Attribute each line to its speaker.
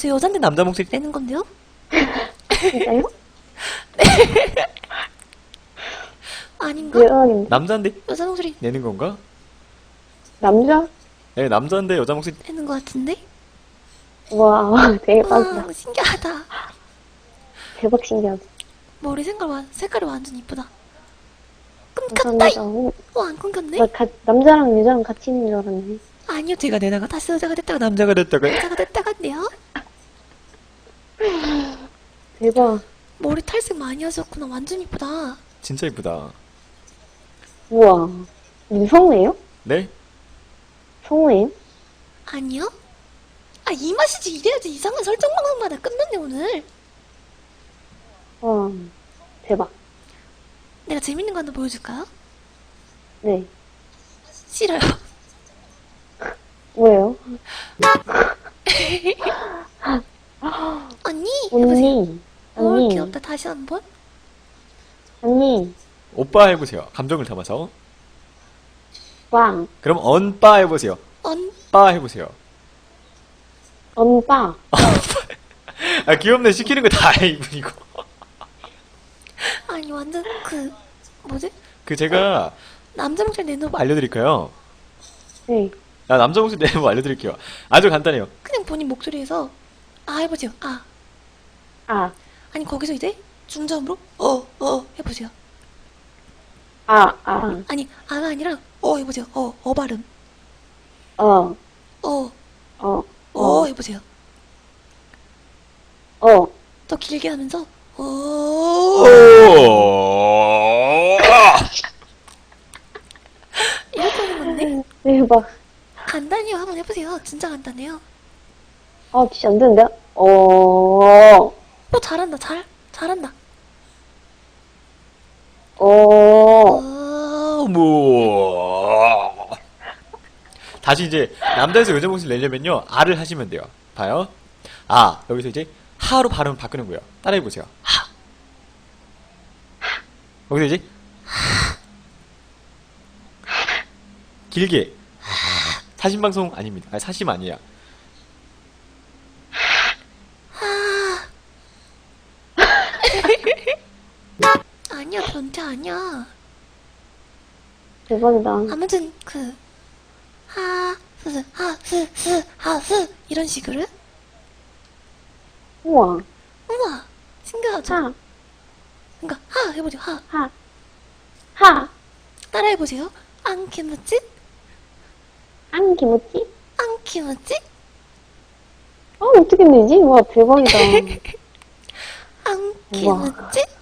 Speaker 1: 저 여잔데 남자 목소리 떼는 건데요?
Speaker 2: 진짜요?
Speaker 1: 아닌가?
Speaker 2: 대박인데.
Speaker 3: 남자인데
Speaker 1: 여자 목소리
Speaker 3: 내는 건가?
Speaker 2: 남자?
Speaker 3: 네, 남자인데 여자 목소리.
Speaker 1: 떼는 것 같은데?
Speaker 2: 와, 대박이다.
Speaker 1: 와, 신기하다.
Speaker 2: 대박 신기하다.
Speaker 1: 머리 색깔이 완전 이쁘다. 끊겼다!
Speaker 2: 감사합니다.
Speaker 1: 와, 안 끊겼네?
Speaker 2: 남자랑 여자랑 같이 있는 줄 알았네.
Speaker 1: 아니요, 제가 내다가 다시 여자가 됐다가 남자가 됐다간데요?
Speaker 2: 대박.
Speaker 1: 머리 탈색 많이 하셨구나. 완전 이쁘다.
Speaker 3: 진짜 이쁘다.
Speaker 2: 우와. 님 성우예요?
Speaker 3: 네?
Speaker 2: 성우예요?
Speaker 1: 아니요? 아, 이 맛이지. 이래야지. 이상한 설정 방송마다 끝났네, 오늘.
Speaker 2: 와. 대박.
Speaker 1: 내가 재밌는 거 하나 보여줄까요?
Speaker 2: 네.
Speaker 1: 싫어요.
Speaker 2: 뭐예요?
Speaker 1: 언니! 해보세요.
Speaker 2: 언니.
Speaker 1: 오,
Speaker 2: 언니.
Speaker 1: 귀엽다. 다시 한 번.
Speaker 2: 언니.
Speaker 3: 오빠 해보세요. 감정을 담아서.
Speaker 2: 왕.
Speaker 3: 그럼 언빠 해보세요. 빠 해보세요.
Speaker 2: 언빠.
Speaker 3: 아, 귀엽네. 시키는 거 다 해, 이분이고.
Speaker 1: 아니, 완전 뭐지?
Speaker 3: 그 제가
Speaker 1: 남자 목소리 내는 거
Speaker 3: 알려드릴까요?
Speaker 2: 네.
Speaker 3: 아, 남자 목소리 내는 거 알려드릴게요. 아주 간단해요.
Speaker 1: 그냥 본인 목소리에서 아 해보세요. 아.
Speaker 2: 아.
Speaker 1: 아니, 거기서 이제 중저음으로 해보세요.
Speaker 2: 아. 아.
Speaker 1: 아니, 아가 아니라 해보세요. 발음.
Speaker 2: 어.
Speaker 1: 어
Speaker 2: 어.
Speaker 1: 해보세요.
Speaker 2: 어.
Speaker 1: 더 길게 하면서 이렇게 하는 건데
Speaker 2: 대박.
Speaker 1: 간단해요. 한번 해보세요. 진짜 간단해요.
Speaker 2: 아, 진짜 안 되는데?
Speaker 1: 잘한다. 잘한다.
Speaker 3: 뭐. 다시 이제 남자에서 여자 목소리 내려면요, 아를 하시면 돼요. 봐요. 아, 여기서 이제 하로 발음 바꾸는 거예요. 따라해보세요. 하. 여기서 이제 길게. 사심 방송 아닙니다. 아니, 사심 아니야.
Speaker 1: 아니야, 변태 아니야.
Speaker 2: 대박이다.
Speaker 1: 아무튼 하스 이런 식으로.
Speaker 2: 우와.
Speaker 1: 우와, 신기하죠?
Speaker 2: 하.
Speaker 1: 그러니까 하 해보죠. 하.
Speaker 2: 하. 하.
Speaker 1: 따라해보세요. 안키무찌?
Speaker 2: 안기모찌?
Speaker 1: 안키무찌?
Speaker 2: 어떻게 내지? 와, 대박이다.
Speaker 1: 안키무찌?